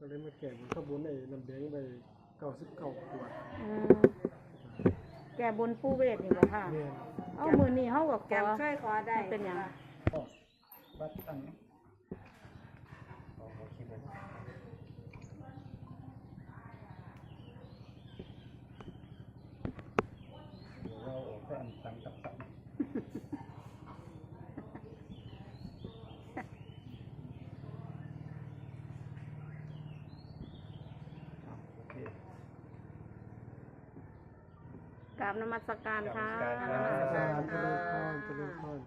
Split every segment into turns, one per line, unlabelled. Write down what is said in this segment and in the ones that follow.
เลยมาแก่บนข้าวบนไอ้น้ำแดงไป99 ขวด
แก่บนปูเวทนี่บ่ค่ะ
แม่น
เอามือนี่เฮาก็ข
แก
อ
มเคยขอได้
เป็นหยัง
วัดตั้งโอเคเลยเราออกแต่อันตั้งตับตับโอเค
กราบนมัสการค่ะ
กราบนมัสการ
เจริญพรเจริญพร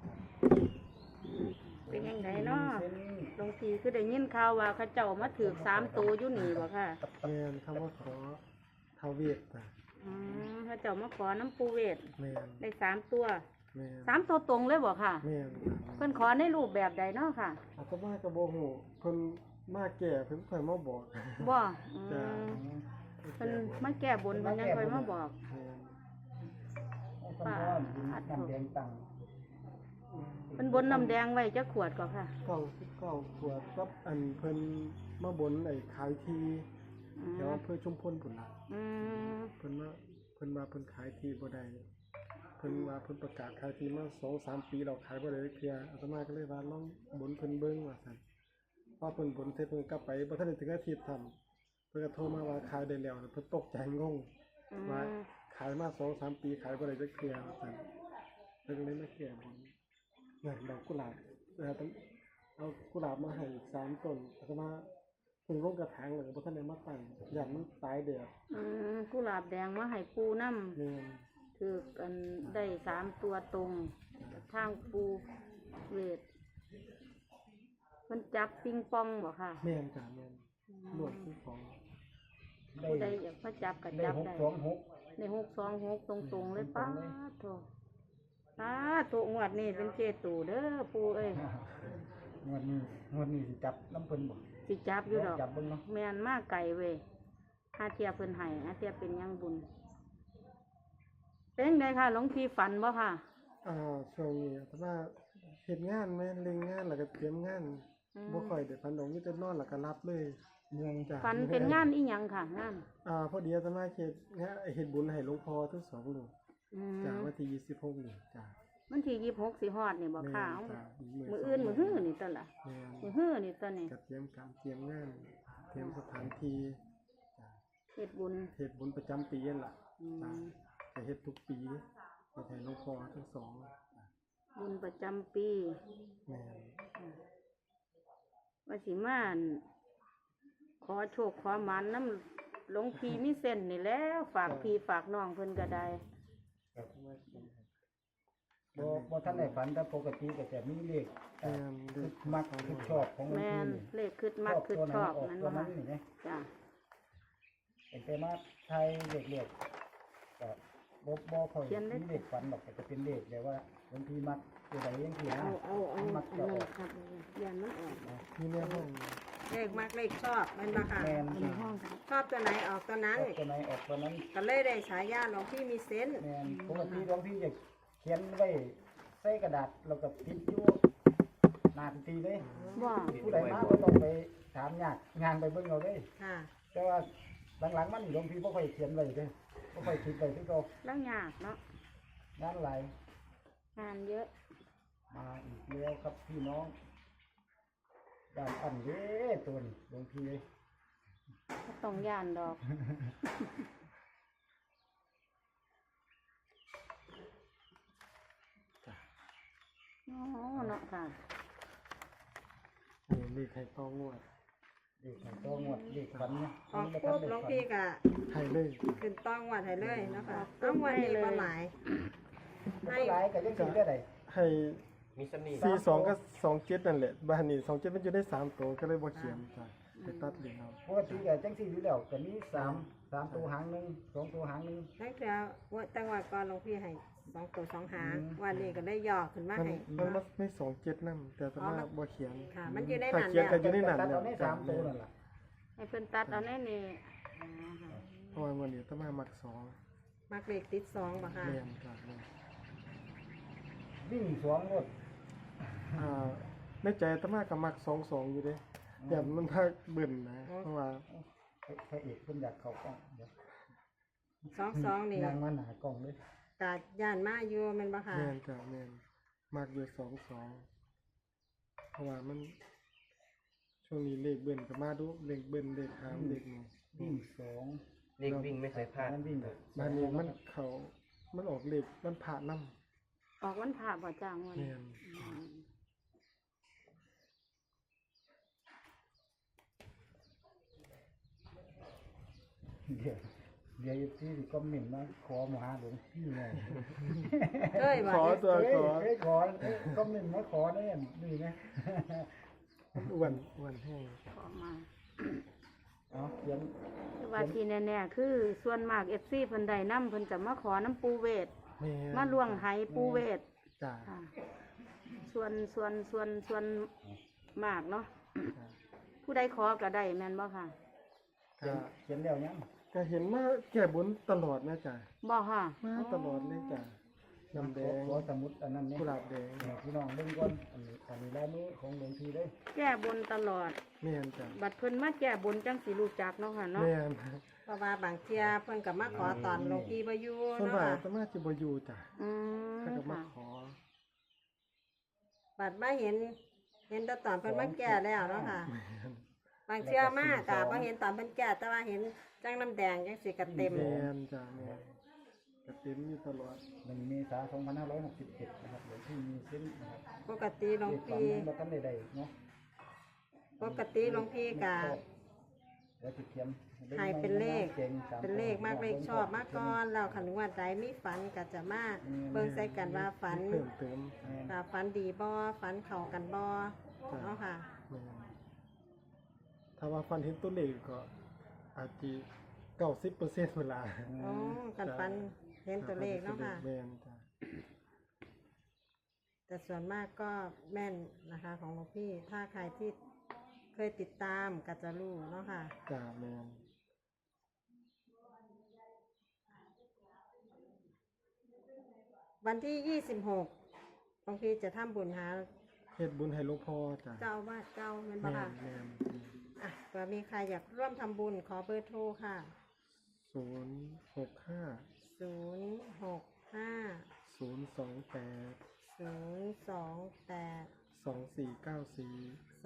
เป็นยังไงเนาะหลวงพี่คือได้ยินข่าวว่าเขาเจ้ามาถือ3ตัวอยู่นี่บ่ค่ะ
แม่นคำว่าขอท้าวเวทจ้ะ
เขาเจ้ามาขอน้ำปูเวท
แม่น
ได้3 ตัว
แม่น
3 ตัวตรงเลยบ่ค่ะ
แม่น
เพิ่นขอในรูปแบบใดเนาะค่ะ
อาตมาก็บ่ฮู้เพิ่นมาแก่เพิ่นค่อยมาบอก
บ่
จ้ะ
เพิ่นมาแก้บนเพิ่นยังค่อยมาบอก
แม่น
ป้าน้ำแดงตัง
เพิ่นบนน้ำแดงไว้จักขวดก็ค่ะ
99 ขวดกับอันเพิ่นมาบนไอ้ขายที
อื
แถ
ม
วอำเภอชุมพลพุ่นล่ะ
อืม
เพิ่นว่าเพิ่นขายทีบ่ได้เพิ่นว่าเพิ่นประกาศขายทีมา 2-3 ปีแล้วขายบ่ได้เทื่ออาตมาก็เลยว่าลองบนเพิ่นเบิ่งว่าซั่นพอเพิ่นบนเสร็จเพิ่นกลับไปบ่ทันได้ถึงอาทิตย์ทำเพิ่นก็โทรมาว่าขายได้แล้วเพิ่นตกใจงง
อื
ว่าม ขายมา 2-3 ปีขายบ่ได้จักเทื่อว่าซั่นเพิ่นก็เลยมาแก้บนเนี่ยดอกกุหลาบต้องเอากุหลาบมาให้อีก3 ต้นอาตมาเพิ่งลงกระถางแล้วก็บ่ทันได้มาตั้งย่านมันตายแดด
กุหลาบแดงมาให้ปูน้ำ
แม่น
ถือกันได้3 ตัวตรงทางปูเวทเพิ่นจับปิงปองบ่ค่ะ
แม่นจ้ะแม่นรวมคือของ
ผู้ใดอยากมาจับก็
ได้
จับ
หก
ได้
สองหก
ใน626ตรงๆเลยป้าโถงวดนี้เป็นเจตูเด้อปูเอ้ย
งวดนี้สิจับน้ำเพิ่นบ่
สิจับอยู่ดอก
จับเบิ่งเนาะ
แม่นมาไก่เว้ยหาเทียเพิ่นให้หาเทียเป็นหยังบุญเป็นจังไดค่ะหลวงพี่ฝันบ่ค่ะ
ช่วงนี้แต่ว่าเฮ็ดงานแม่นเล็งงานแล้วก็เตรียมงานบ่ค่อยได้พันดอกมีแต่นอนแล้วก็รับเลยเมืองจ้ะ
ฝันเป็นงานอีหยังค่ะงาน
พอดีอาตมาเฮ็ดบุญให้หลวงพ่อทั้งสองลูก
อืม
จ้ะวันที่26นี่จ้ะ
วันที่26สิฮอดนี่บ่ค่ะ
แม่นจ้ะ
มื้ออื่นมื้อฮื้อนี่ตั่นล่ะ
แม่น
มื้อฮื้อนี่ตั่นนี่
ก็เตรียมการเตรียมงานเตรียมสถานที่จ้ะ
เฮ็ดบุญ
เฮ็ดบุญประจำปีนั่นล่ะ
อื
จ้ะ
ม
จะเฮ็ดทุกปีเฮ็ดให้หลวงพ่อทั้งสองจ้ะ
บุญประจำปี
แม่น
ว่าสิมาอั่นขอโชคขอหมานน้ำหลวงพี่มีเส้นนี่แหล้วฝากพี่ฝากน้องเพิ่นก็ได้
บ่ทันได้ฝันแต่ปกติก็จะมีเลข
แม่นเด็ก
มักคือชอบของ
แม่น
นี่
เลขคึดมักคึดชอบ
ตัว
นั่น
ตัว
บ่
นั้
ค่ะ
นนี่นะ
จ้ะ
แต่มาไทยเลขก็บ่ค่อยมีเลขฝันหรอกแต่จะเป็นเลขแบบว่าบางทีมักตัวใดจังซี่นะ
เอา
มักจะออก
ครับยันมันออก
มีแม่ห้อง
เลขมักเลขชอบแมันบ่ค่ะ
แม่น
ในห้องครับ
ชอบตัวไหนออกตัวนั้น
ออกตัวไหนออกตัวนั้น
ก็เลยได้ฉายาหลวงพี่มีเซนส์
แม่นปกติบางทีจะเขียนไว้ใส่กระดาษแล้วก็ติดอยู่หน้าพิธีเลย
บ่
ผู้ใดมาก็ต้องไปถามยากงานไปเบิ่งเอาเลย
ค่ะ
แต่ว่าหลังๆมันหลวงพี่บ่ค่อยเขียนไว้เด้บ่ค่อยคิดไว้คือเก่า
แล้วยากเนาะ
งานหลาย
งานเยอะ
มาอีกแล้วครับพี่น้องด้านอันเด้ตัวนี้หลวงพี่เอ้ย
ก็ต้องย่านดอกอ๋อเนาะค่ะ
นี่เลขให้ต้องงวด
เด็กมันก็งวดเด็กฝันเนี่ย
ออกปุ๊บหลวงพี่ก็
ให้เลย
ขึ้นต้องวัดให้เลยเนาะคะต้องวันนี้บ่หลาย
ให้หลายก็จังซี่ได้ได
ให้
มีเสน่ห์
42กับ27นั่นแหละบ้านนี้27มันอยู่ได้3ตัวก็เลยบ่เขียนจ้ะไปตัดเหรียญเอา
ปกติก็จังซี่อยู่แล้วก็มี3ตัวหางหนึง2ตัวหางหนึง
นั่นคือว่าจังหวัดก่อนหลวงพี่ให้2 ตัว 2 หางวันนี้ก็ได้ย่อขึ้นมา
มัน
ให้
มันไม่27นำแต่อาตมาบ่เขียน
ค่ะ มันอยู่ใน
ถ้า
นั้น
เขียน
แล้ว
ก็อยู่ในนั้น
ตัด
แล้
เอา
ว
ใน
จ้ะ
3ตัวนั่นล่ะ
ให้เพิ่นตัดเอาแน่นี่
เพราะว่าวันนี้อาตมามัก2
มักเลขติด2บ่ค่ะ
แม่นจ้ะแม่น
วิ่ง2รถ
ในใจอาตมาก็มัก22อยู่เด้แบบมันพาเบิ่นนะเพราะว่า
พระเอกเพิ่นอยากเข้ากล้องเดี๋ยว
22นี่
ยางมาหน้ากล้องเลย
กาย่านมาอยู่แม่นบ่ค่ะ
แม่นจ้ะแม่นมากอยู่22เพราะว่ามันช่วงนี้เลขเบิ่นก็มาดูเลขเบิ่นเลขหามเลขนี่
วิ่งสอง
เลขวิ่งไม่เคยพลาด
นั้นวิ่งแบบ
บ้านนี้มันออกเลขมันผ่านำ
ออกวันพระบ่จ้างวัน
แม่น
เดี๋ยวที่คอมเมนต์มาขอมาหาหลวงพี่หน่อย
เคยบ่
ขอตัวขอ
เฮ้ยขอคอมเมนต์มาขอได้นี่นะ
อ้วนแห้ง
ขอมา
เอาเขียน
แต่ว่าที่แน่ๆคือส่วนมาก FC เพิ่นได้นำเพิ่นจะมาขอน้ำปูเวท
แม่น
มาล่วงไหปูเวท
จ้ะ
ค่ะส่วนมากเนาะ
จ้ะ
ผู้ใดขอก็ได้แม่นบ่ค่ะ
ก็
เขียนแล้วยัง
ก็เห็นมาแก้บนตลอดนะจ้ะ
บ่ค่ะ
มาตลอดเลยจ้ะน้ำแดง
ขอสมุดอันนั้นเนี่ย
กุหลาบแดง
พี่น้องเบิ่งก่อนอันนี้ลายมือของหลวงพี่เลย
แก้บนตลอด
แม่นจ้ะ
บัดเพิ่นมาแก้บนจังสิรู้จักเนาะค่ะเนาะ
แม่น
เพราะว่าบางเที่ยเพิ่นก็มาขอตอนหลวงพี่บ่อยู่
ส่วน
เนาะ
มาก
ค่ะ
อาตมาจะบ่อยู่จ้ะ
อืม
ถ้าก็มา
ค่ะ
ขอ
บัดมาเห็นแต่ตอนเพิ่นมาแก่แล้วเนาะค่ะ
แม่น
บางเที่ยมากก็บ่เห็นตอนเพิ่นแก่แต่ว่าเห็นจังน้ำแดงจังสิก็เต็ม
แม่นจ้ะแม่นก็เต็มอยู่ตลอด
1 เมษายน 2567นะครับหลวงพี่มีเส้นนะครับ
ปกติหลวง
เด็กฝัน
พี่
ยังบ่ทันได้เนาะ
ปกติหลวงพี่ก็
เดี๋ยวสิเขียน
ให้เป็นเลข
ก่งส
เป็นเลขมากเลขชอบมากก่อนแล้วคันว่าใดมีฝันก็จะมาเบิ่งใส่กันว่าฝัน
เพิ่มเติม
ว่าฝันดีบ่ฝันเข้ากันบ่เนาะค่ะ
แม่นถ้าว่าฟันเห็นตัวเลขก็อาจจะ90%เวลา
อ๋อกันฝันเห็นตัวเลขเนาะค่ะ
แม่นจ้ะ
แต่ส่วนมากก็แม่นนะคะของหลวงพี่ ถ้าใครที่เคยติดตามก็จะรู้เนาะค่ะ
จ้ะแม่น
วันที่ 26หลวงพี่จะทำบุญหา
เฮ็ดบุญให้หลวงพ่อจ้ะ
เจ้าอาวาดเจ้าแม่นบ่
แม่
ค่ะ
นแม่น
อ่ะเผื่อมีใครอยากร่วมทำบุญขอเบอร์โทรค่ะ
065
065
028
028
2494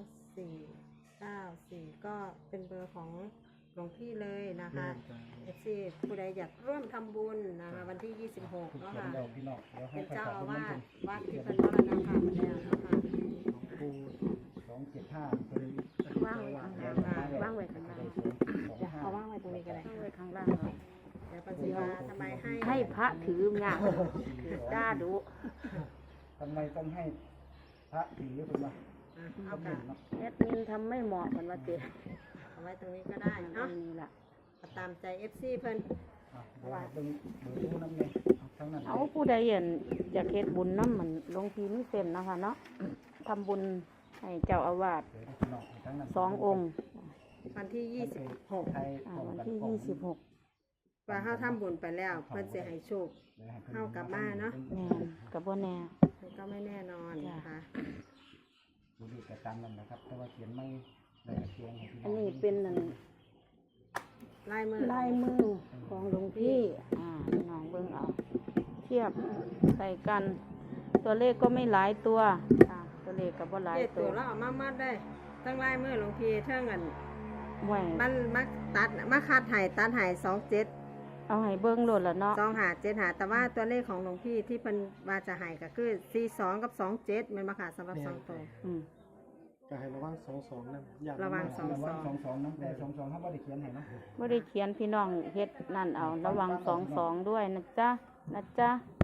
2494ก็เป็นเบอร์ของหลวงพี่เลยนะคะ
แม่นจ้ะ
FC ผู้ใดอยากร่วมทำบุญนะคะวันที่ 26เนาะ
เขียน
ค่ะ
แล้วพี่น้องเดี๋ยวให้
เป็น
ประ
เจ้า
กาศ
อา
บุญ
วา
น้ำ
ส
เพิ่น
วัดที่เป็นมรณภาพไปแล้วนะคะ
หลวงปู่
275เพิ่น
ว่างไว้ข้างล่างว่างไว้ข้างล่าง
เดี๋ยวเอาว่างไว้ตรงนี้ก็ได้
ว่างไว้ข้างล่างเนาะ
เดี๋ยวปัญญาทำไมให้
ให้พระถืองานจ้าดุ
ทำไมต้องให้พระถือเพิ่นว่า
เอาค่ะ
แอดมินทำไม่เหมาะกันว่าเจ๊
เอาไว้ตรงนี้ก็ได้
อัน
เนาะ
นี้ล่ะ
ตามใจ FC เพิ่น
เดี๋ยวเบิ่งเบอร์โทรนำเลยทั้งนั้น
เอาผู้ใดเห็นจะเฮ็ดบุญน้ำมันหลวงพี่มีเส้นเนาะคะเนาะทำบุญให้เจ้าอาวาส
เดี๋ยวพี่น้องทั้งนั้น
2 องค์
วันที่ 26
ไทย
วันที่ 26
ว่าเฮาทำบุญไปแล้ว เพิ่นสิให้โชค เฮากลับมาเนาะ
แม่นกับบ่แน่
มันก็ไม่แน่นอนนะคะ
ดูดีแต่ตามนั้นนะครับ แต่ว่าเขียนไม่ได้เขียนให้พี่
อันนี้เป็นนั่น
ลายมือ
ลายมือของหลวงพี่พี่น้องเบิ่งเอา เทียบใส่กัน ตัวเลขก็ไม่หลายตัวตัวเลขก็บ่หลาย
เจ็ด
ตั
ตัว วแล้วเอามามัดได้ทั้งลายมือหลวงพี่เท่งอัน
ไว้
มันมาตัดมาคาดไห้ตัดไห้27
เอาให้เบิ่งโลดละเนาะ
2575แต่ว่าตัวเลขของหลวงพี่ที่เพิ่นว่าจะให้ก็คือ42กับ27แม่นบ่ค่ะสำหรับ2ตัว
อืม
ก็ให้ระวัง22นั่นอย่า
ระวัง
ระวัง22น้ำแต่22เขาบ่ได้เขียนให้เนาะ
บ่ได้เขียนพี่น้องเฮ็ดนั่นเอาระวัง22ด้วยนะจ๊ะ